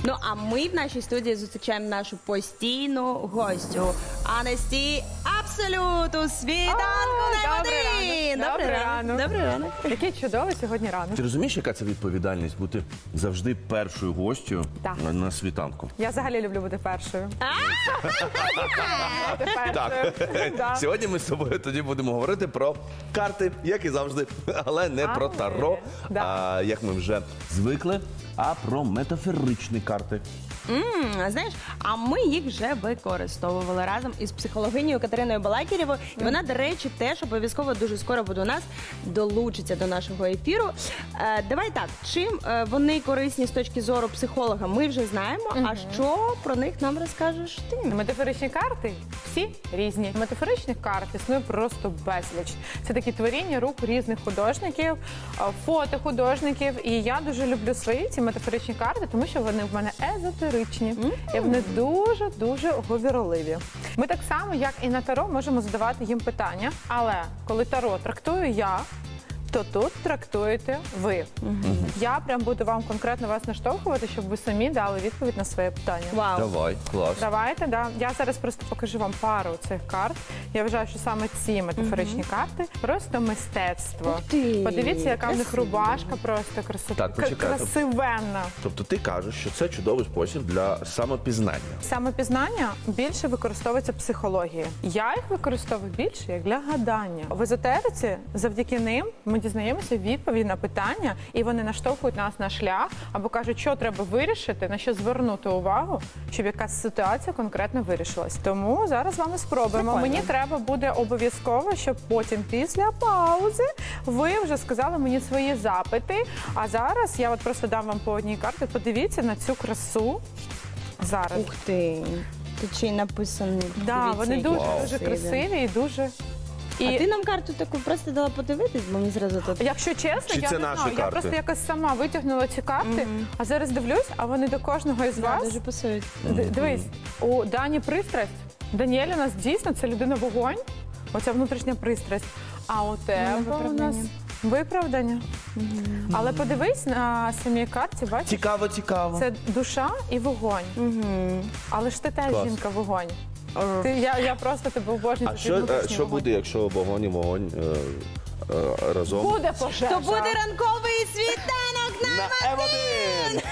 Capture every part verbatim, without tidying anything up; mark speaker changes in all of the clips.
Speaker 1: Ну, а ми в нашій студії зустрічаємо нашу постійну гостю Анесті Абсолют у світанку на
Speaker 2: Добрий
Speaker 1: один.
Speaker 2: ранок.
Speaker 1: Добрий
Speaker 2: Добрий
Speaker 1: ранок.
Speaker 2: ранок.
Speaker 1: Добрий ранок.
Speaker 2: Який чудовий сьогодні ранок.
Speaker 3: Ти розумієш, яка це відповідальність бути завжди першою гостю
Speaker 2: Так.
Speaker 3: на, на світанку?
Speaker 2: Я взагалі люблю бути першою. Бути
Speaker 3: Так.
Speaker 2: першою. Да.
Speaker 3: Сьогодні ми з тобою тоді будемо говорити про карти, як і завжди, але не про
Speaker 2: Але,
Speaker 3: таро,
Speaker 2: да.
Speaker 3: а як ми вже звикли, а про метафоричні карти.
Speaker 1: М, Знаєш, а ми їх вже використовували разом із психологинею Катериною Балакірєвою. І вона, до речі, теж обов'язково дуже скоро буде у нас, долучиться до нашого ефіру. Е, давай так, чим е, вони корисні з точки зору психолога, ми вже знаємо. А що про них нам розкажеш ти?
Speaker 2: Метафоричні карти всі різні. Метафоричних карт існує просто безліч. Це такі творіння рук різних художників, а, фото художників. І я дуже люблю свої ці метафоричні карти, тому що вони в мене езотеричні. І вони дуже-дуже говірливі. Ми так само, як і на таро, можемо задавати їм питання. Але коли таро трактую я, то тут трактуєте ви. Я прям буду вам конкретно вас наштовхувати, щоб ви самі дали відповідь на своє питання.
Speaker 1: Вау.
Speaker 3: Давай, клас.
Speaker 2: Давайте, да. Я зараз просто покажу вам пару цих карт. Я вважаю, що саме ці метафоричні карти просто мистецтво.
Speaker 1: Ух ти,
Speaker 2: Подивіться, яка в них
Speaker 1: красиво.
Speaker 2: рубашка просто краси...
Speaker 3: Так, почекай.
Speaker 2: красивенна.
Speaker 3: Тобто ти кажеш, що це чудовий спосіб для самопізнання.
Speaker 2: Самопізнання більше використовується психологією. Я їх використовую більше як для гадання. В езотериці завдяки ним ми дізнаємося відповіді на питання, і вони наштовхують нас на шлях або кажуть, що треба вирішити, на що звернути увагу, щоб якась ситуація конкретно вирішилась. Тому зараз з вами спробуємо.
Speaker 1: Прикольно.
Speaker 2: Мені треба буде обов'язково, щоб потім після паузи ви вже сказали мені свої запити. А зараз я от просто дам вам по одній карті. Подивіться на цю красу. Зараз.
Speaker 1: Ух ти. Тут ще й написано.
Speaker 2: Да,
Speaker 1: Дивіться,
Speaker 2: вони
Speaker 1: які
Speaker 2: дуже
Speaker 3: Вау.
Speaker 2: дуже красиві і дуже.
Speaker 1: А
Speaker 2: І
Speaker 1: ти нам карту таку просто дала подивитись, бо мені зразу тут.
Speaker 2: якщо чесно,
Speaker 3: Чи
Speaker 2: я
Speaker 3: це
Speaker 2: не
Speaker 3: наші
Speaker 2: знаю. Я
Speaker 3: карти?
Speaker 2: просто якось сама витягнула ці карти, а зараз дивлюсь, а вони до кожного із
Speaker 1: Да,
Speaker 2: вас.
Speaker 1: дуже пасують.
Speaker 2: Д- Дивись, у Дані пристрасть. Даніель у нас дійсно це людина вогонь, оця внутрішня пристрасть. А у тебе у
Speaker 1: виправдання.
Speaker 2: нас виправдання. Але подивись на самій карті, бачиш,
Speaker 3: Цікаво, цікаво.
Speaker 2: це душа і вогонь.
Speaker 1: Угу.
Speaker 2: Але ж ти теж
Speaker 3: Клас.
Speaker 2: жінка вогонь. Ти, я, я просто тебе обожнюю.
Speaker 3: А
Speaker 2: за твій
Speaker 3: що, е,
Speaker 2: внутрішній
Speaker 3: що
Speaker 2: вогонь.
Speaker 3: буде, якщо вогонь і вогонь е, е, разом?
Speaker 2: Буде пожежа.
Speaker 1: То буде ранковий світанок на
Speaker 3: На М один!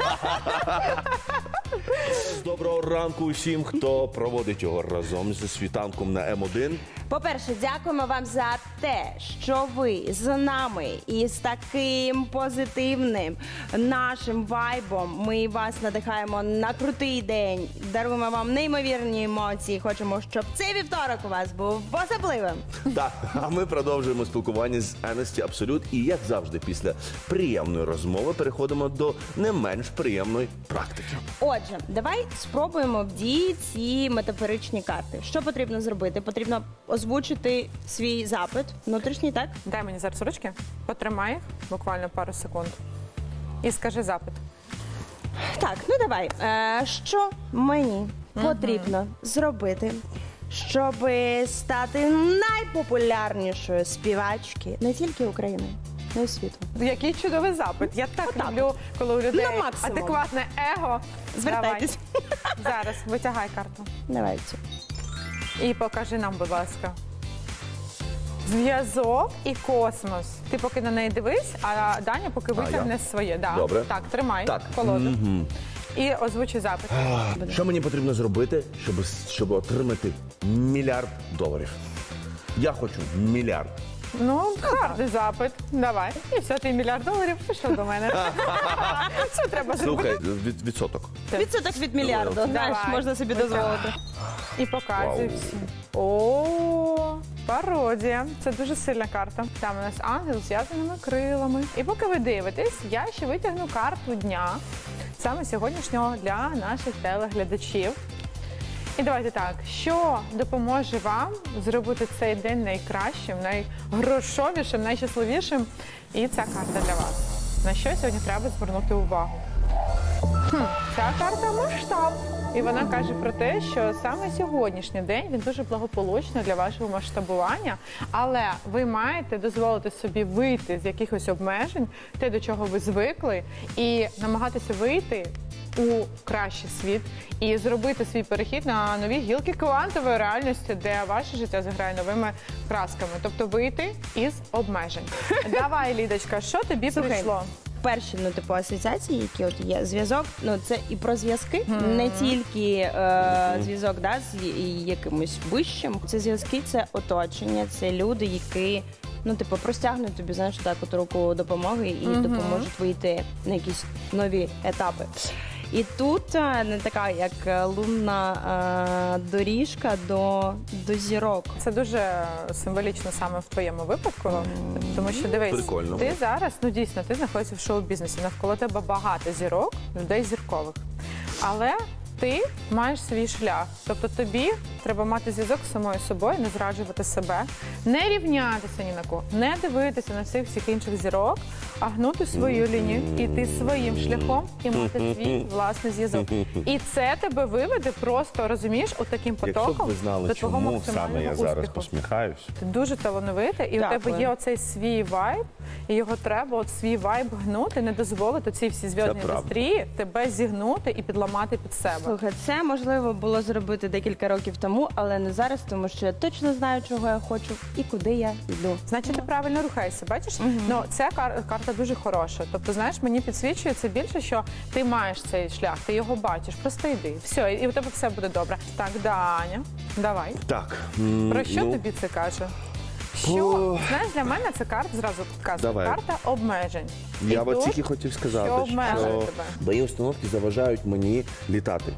Speaker 3: Доброго ранку усім, хто проводить його разом зі світанком на М один.
Speaker 1: По-перше, дякуємо вам за те, що ви з нами і з таким позитивним нашим вайбом. Ми вас надихаємо на крутий день, даруємо вам неймовірні емоції. Хочемо, щоб цей вівторок у вас був особливим.
Speaker 3: Так, а ми продовжуємо спілкування з Анесті Абсолют. І, як завжди, після приємної розмови переходимо до не менш приємної практики.
Speaker 1: Отже, давай спробуємо в дії ці метафоричні карти. Що потрібно зробити? Потрібно озвучити свій запит внутрішній, так?
Speaker 2: Дай мені зараз ручки, потримай їх буквально пару секунд і скажи запит.
Speaker 1: Так, ну давай. Е, що мені потрібно зробити, щоб стати найпопулярнішою співачки не тільки України, але й світу?
Speaker 2: Який чудовий запит. Я так
Speaker 1: Отак
Speaker 2: люблю, коли у людей
Speaker 1: На максимум.
Speaker 2: адекватне его.
Speaker 1: Звертайтесь.
Speaker 2: Давай. Зараз витягай карту.
Speaker 1: Давай цю.
Speaker 2: І покажи нам, будь ласка. Зв'язок і космос. Ти поки на неї дивись, а Даня поки витягне
Speaker 3: я?
Speaker 2: своє. Да.
Speaker 3: Добре.
Speaker 2: Так, тримай
Speaker 3: Так.
Speaker 2: колоду. І озвучи запит.
Speaker 3: Що мені потрібно зробити, щоб, щоб отримати мільярд доларів? Я хочу мільярд.
Speaker 2: Ну, гарний запит. Давай. І все, ти мільярд доларів пішов до мене. Що треба зробити?
Speaker 3: Слухай, від, відсоток.
Speaker 1: Відсоток від мільярду,
Speaker 2: Давай.
Speaker 1: знаєш, можна собі дозволити.
Speaker 2: І показуй
Speaker 3: Вау.
Speaker 2: всім. О, пародія. Це дуже сильна карта. Там у нас ангел з зв'язаними крилами. І поки ви дивитесь, я ще витягну карту дня, саме сьогоднішнього для наших телеглядачів. І давайте так, що допоможе вам зробити цей день найкращим, найгрошовішим, найщасливішим? І ця карта для вас. На що сьогодні треба звернути увагу? Хм. ця карта масштаб. І вона каже про те, що саме сьогоднішній день він дуже благополучний для вашого масштабування, але ви маєте дозволити собі вийти з якихось обмежень, те, до чого ви звикли, і намагатися вийти у кращий світ і зробити свій перехід на нові гілки квантової реальності, де ваше життя заграє новими красками. Тобто вийти із обмежень. Давай, Лідочка, що тобі
Speaker 1: Слухай,
Speaker 2: прийшло?
Speaker 1: Перші, ну, типу, асоціації, які от є, зв'язок, ну, це і про зв'язки, не тільки е, зв'язок, да, з і- якимось вищим. Це зв'язки, це оточення, це люди, які, ну, типу, простягнуть тобі, знаєш, так, от руку допомоги і допоможуть вийти на якісь нові етапи. І тут е, не така, як е, лунна е, доріжка до, до зірок.
Speaker 2: Це дуже символічно саме в твоєму випадку, тому що дивись,
Speaker 3: Прикольно.
Speaker 2: ти зараз, ну дійсно, ти знаходишся в шоу-бізнесі, навколо тебе багато зірок, людей зіркових. Але ти маєш свій шлях. Тобто тобі треба мати зв'язок з самою собою, не зраджувати себе, не рівнятися ні на кого, не дивитися на всіх всіх інших зірок, а гнути свою лінію, іти своїм шляхом і мати свій власний зв'язок. І це тебе виведе просто, розумієш, отаким
Speaker 3: Якщо б
Speaker 2: потоком
Speaker 3: ви знали,
Speaker 2: до твого
Speaker 3: чому
Speaker 2: максимального
Speaker 3: саме я зараз
Speaker 2: успіху.
Speaker 3: посміхаюсь.
Speaker 2: Ти дуже талановитий, і у
Speaker 1: Дякую.
Speaker 2: тебе є оцей свій вайб, і його треба от свій вайб гнути, не дозволити цій всій зв'язній
Speaker 3: Це правда.
Speaker 2: індустрії тебе зігнути і підламати під себе.
Speaker 1: Слухай, це можливо було зробити декілька років тому, але не зараз, тому що я точно знаю, чого я хочу і куди я йду.
Speaker 2: Значить, ти правильно рухаєшся, бачиш? Ну, ця кар- карта дуже хороша. Тобто, знаєш, мені підсвічує це більше, що ти маєш цей шлях, ти його бачиш, просто йди. Все, і у тебе все буде добре. Так, Даня, давай.
Speaker 3: Так. м,
Speaker 2: Про що
Speaker 3: ну,
Speaker 2: тобі це каже? Що,
Speaker 3: О.
Speaker 2: знаєш, для мене це карта, зразу підказує,
Speaker 3: Давай.
Speaker 2: карта обмежень.
Speaker 3: Я
Speaker 2: І
Speaker 3: от
Speaker 2: тут
Speaker 3: тільки хотів сказати,
Speaker 2: що обмежує
Speaker 3: що
Speaker 2: тебе?
Speaker 3: мої установки заважають мені літати.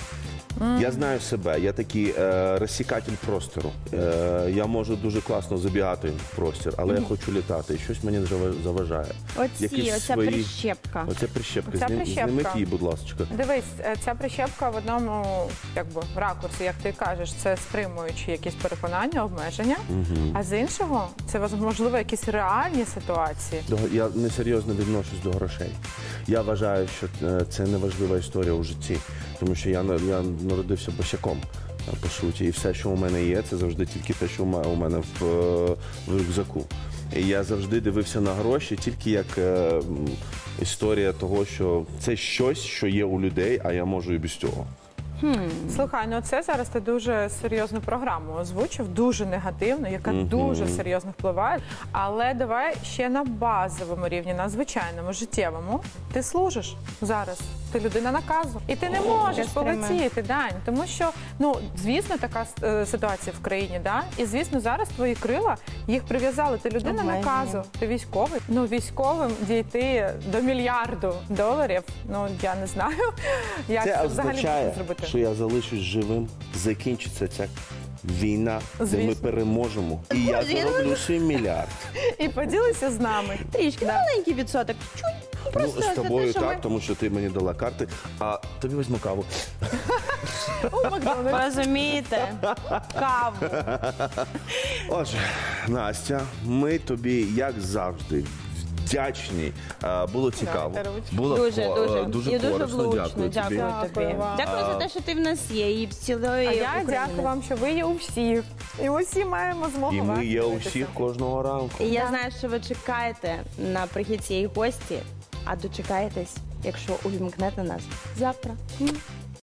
Speaker 3: Я знаю себе, я такий е, розсікатель простору. Е, я можу дуже класно забігати в простір, але я хочу літати. І щось мені зава- заважає.
Speaker 1: Оці,
Speaker 3: Якісь
Speaker 1: оця
Speaker 3: свої-
Speaker 1: прищепка.
Speaker 3: Оця прищепка.
Speaker 2: Оця
Speaker 3: Знім-
Speaker 2: прищепка.
Speaker 3: Зніміть її, будь ласка.
Speaker 2: Дивись, е, ця прищепка в одному якби ракурсі, як ти кажеш, це стримуючі якісь переконання, обмеження. А з іншого, це можливо якісь реальні ситуації.
Speaker 3: До- Я несерйозно відношусь до грошей. Я вважаю, що е, це неважлива історія у житті, тому що я, на- я народився босяком, е, по суті, і все, що у мене є, це завжди тільки те, що у ме- у мене в, е, в рюкзаку. І я завжди дивився на гроші тільки як е, м, історія того, що це щось, що є у людей, а я можу і без цього.
Speaker 2: Слухай, ну це зараз ти дуже серйозну програму озвучив, дуже негативну, яка дуже серйозно впливає. Але давай ще на базовому рівні, на звичайному, життєвому. Ти служиш зараз. Ти людина наказу. І ти не можеш
Speaker 1: яке стриме.
Speaker 2: полетіти, Дань. Тому що, ну, звісно, така е, ситуація в країні, да? І, звісно, зараз твої крила, їх прив'язали. Ти людина
Speaker 1: Обмеження.
Speaker 2: наказу, ти військовий. Ну, військовим дійти до мільярду доларів, ну, я не знаю, як це,
Speaker 3: Це
Speaker 2: взагалі
Speaker 3: означає,
Speaker 2: можна зробити.
Speaker 3: що я залишусь живим, закінчиться ця війна, де ми
Speaker 2: Звісно.
Speaker 3: переможемо. І я зароблю свій мільярд.
Speaker 2: І поділися з нами.
Speaker 1: Трішки маленький відсоток. Чуть. Просто
Speaker 3: Ну, з
Speaker 1: за
Speaker 3: тобою
Speaker 1: те, що
Speaker 3: так,
Speaker 1: ми-
Speaker 3: тому що ти мені дала карти, а тобі візьму каву.
Speaker 2: У Макдональдс.
Speaker 1: Розумієте? Каву.
Speaker 3: Отже, Настя, ми тобі, як завжди, вдячні. А, Було цікаво.
Speaker 2: Дайте ручку.
Speaker 3: Було
Speaker 1: Дуже,
Speaker 3: ко-
Speaker 1: дуже.
Speaker 3: дуже
Speaker 1: І дуже
Speaker 3: корисно.
Speaker 1: влучно.
Speaker 3: Дякую тобі.
Speaker 1: Дякую тобі.
Speaker 2: Дякую вам.
Speaker 1: Дякую за те, що ти в нас є і в цілої
Speaker 2: А я
Speaker 1: України.
Speaker 2: дякую вам, що ви є у всіх. І усі маємо змогу.
Speaker 3: І
Speaker 2: вас
Speaker 3: ми є у
Speaker 2: дивитися.
Speaker 3: всіх кожного ранку.
Speaker 1: І я знаю, що ви чекаєте на прихід цієї гості, а дочекаєтесь, якщо увімкнете нас завтра. М.